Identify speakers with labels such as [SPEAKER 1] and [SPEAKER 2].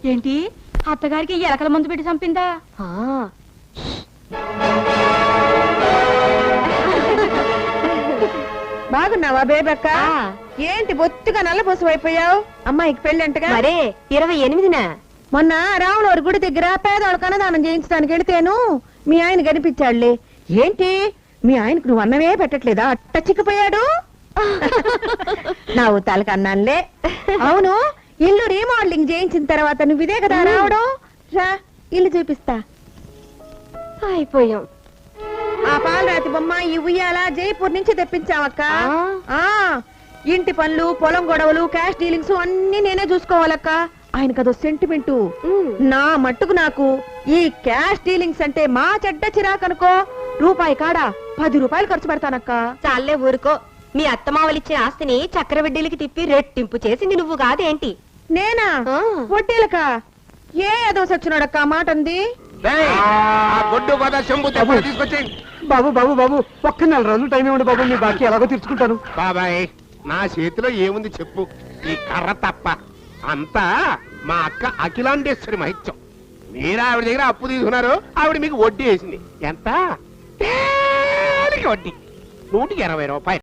[SPEAKER 1] ఏంటి అత్తగారికి ఎలకల మందు పెట్టి చంపిందా?
[SPEAKER 2] బాగున్నావా బేబక్క? ఏంటి బొత్తుగా నల్లబోసం అయిపోయావు? అమ్మాయికి పెళ్ళంటగా?
[SPEAKER 3] మరే 28న
[SPEAKER 2] మొన్న రాములవారి గుడి దగ్గర పేదవాళ్ళకు అన్నదానం చేయించడానికి వెళితేను మీ ఆయన కనిపించాడులే. ఏంటి మీ ఆయనకు నువ్వు అన్నమే పెట్టట్లేదా? అట్ట చిక్కిపోయాడు. నా ఊతాలకు అన్నానులే. అవును, ఇల్లు రీమోడలింగ్ చేయించిన తర్వాత నువ్వు ఇదే కదా రావడం? రా ఇల్లు చూపిస్తా.
[SPEAKER 3] అయిపోయాం.
[SPEAKER 2] ఆ పాలరాతి బొమ్మ ఈ ఉయ్యాల జైపూర్ నుంచి తెప్పించావక్క. ఇంటి పనులు, పొలం గొడవలు, క్యాష్ డీలింగ్స్ అన్ని నేనే చూసుకోవాలక్క. ఆయనకు అదో సెంటిమెంటు. నా మట్టుకు నాకు ఈ క్యాష్ డీలింగ్స్ అంటే మా చెడ్డ చిరాకనుకో. రూపాయి కాడా 10 రూపాయలు ఖర్చు పెడతానక్క.
[SPEAKER 3] చాలే ఊరుకో. మీ అత్తమావలిచ్చిన ఆస్తిని చక్రవడ్డీలకి తిప్పి రెట్టింపు చేసింది నువ్వు కాదేంటి?
[SPEAKER 2] నేనా? వడ్డీలక? ఏ ఏదో సచ్చినాడక్క మాట అంది.
[SPEAKER 4] బాబు బాబు బాబు ఒక్క 4 రోజులు టైం ఇవ్వండి బాబు, మీ బాకీ ఎలాగో తీర్చుకుంటాను.
[SPEAKER 5] బాబాయ్ నా చేతిలో ఏముంది చెప్పు, ఈ కర్ర తప్ప. అంతా మా అక్క అఖిలాండేశ్వరి మహిత్యం. మీరు ఆవిడ దగ్గర అప్పు తీసుకున్నారు, ఆవిడ మీకు వడ్డీ వేసింది. ఎంత? వడ్డీ 120 రూపాయలు.